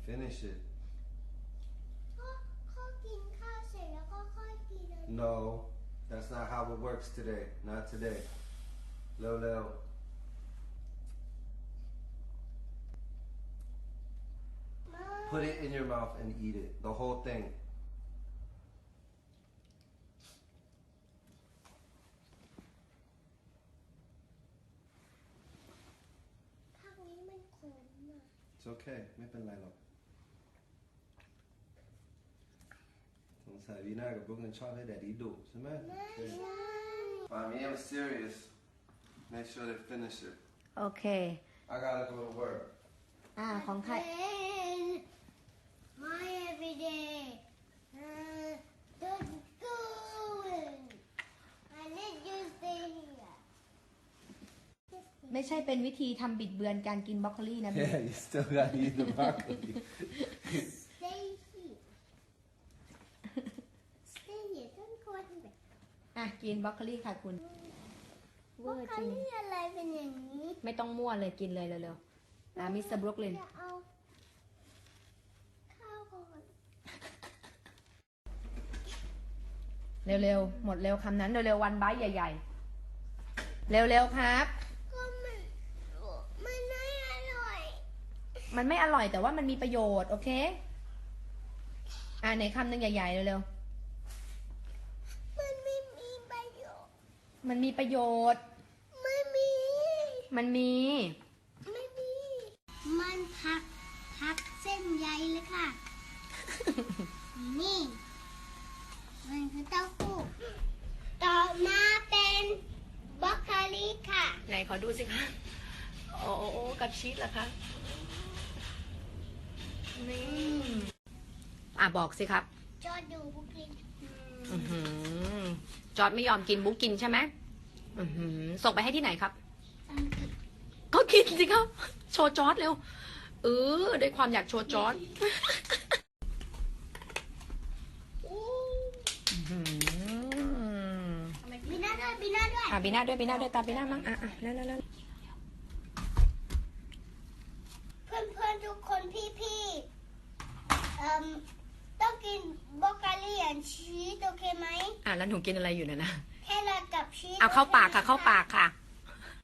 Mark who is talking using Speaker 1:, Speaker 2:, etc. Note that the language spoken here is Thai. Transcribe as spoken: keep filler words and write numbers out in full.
Speaker 1: Finish it.
Speaker 2: ก็ก็กินข้าวเสร็จแล้วก็ค่อยกินเลย
Speaker 1: No, that's not how it works today. Not today. Lil Lil. Put it in your mouth and eat it. The whole thing.
Speaker 2: ผักนี้มันขมอ่ะ
Speaker 1: It's okay. ไม่เป็นไรหรอกสงสัยวีน่ากับบุ๊กนั้นชอบให้แดดดี้ดุใช่ไหม
Speaker 2: ไม่ใช่
Speaker 1: Mommy, I'm serious. Make sure they finish it.
Speaker 3: โอเค
Speaker 1: I gotta go to work.
Speaker 3: อ่าของใคร
Speaker 2: My everyday uh, don't go I let you stay here
Speaker 3: ไม่ใช่เป็นวิธีทำบิดเบือนการกินบรอกโคลีนะ
Speaker 1: Yeah, you still gotta eat the broccoli.
Speaker 2: stay here stay here don't go anywhere
Speaker 3: อ่ะกินบรอกโคลีค่ะคุณเว
Speaker 2: บล็
Speaker 3: อ
Speaker 2: อก
Speaker 3: ร์
Speaker 2: โค
Speaker 3: จริง
Speaker 2: ลี่อะไรเป็นอย่างนี้
Speaker 3: ไม่ต้องมั่วเลยกินเลยเร็วๆอ่ะมิสเตอร์บรุกลิน
Speaker 2: จะเอาข้าวก่อน
Speaker 3: เร็วๆหมดเร็วคำนั้นเร็วๆวันไบท์ใหญ่ๆเร็วๆครับ
Speaker 2: ก็มันมันไม่อร่อย
Speaker 3: มันไม่อร่อยแต่ว่ามันมีประโยชน์โอเคอ่ะไหนคำหนึ่งใหญ่ๆเร็ว
Speaker 2: มันไม่มีประโยชน์
Speaker 3: ๆมันมีประโยชน์
Speaker 2: ไม่มี
Speaker 3: มันมี
Speaker 2: ไม่มี มันพักพักเส้นใยเลยค่ะ นี่ มันคือเต้าหู้ต่อมาเป็นบรอกโคลีค่ะ
Speaker 3: ไหนขอดูสิคะโอ้โอ้โอ้กับชีสเหรอคะนี่อ่ะบอกสิครับ
Speaker 2: จอดูบุกิน
Speaker 3: อื้อหือจอร์ดไม่ยอมกินบุ๊กกินใช่ไหมอื้อหือส่งไปให้ที่ไหนครับ ก็กินสิครับ โชว์จอร์ดเร็วเออด้วยความอยากโชว์จอร์ดอื้อหือ
Speaker 2: บีน่าด้วยบีน่าด้วย
Speaker 3: อ่ะบีน่าด้วยบีน่าด้วยตามบีน่ามั้งอ่ะอ่ะแล้วแล้วแล้ว
Speaker 2: เพื่อนเพื่อนๆทุกคนพี่พี่ๆเอ่มต้องกินบรอกโคลีและชีสโอเคไหม
Speaker 3: อ่ะแล้วหนูกินอะไรอยู่เนี่ยนะ
Speaker 2: แค่ละกับชีส
Speaker 3: เอาเข้าปากค่ะ
Speaker 2: โอ
Speaker 3: เข้า
Speaker 2: ไหม
Speaker 3: ปากค่ะ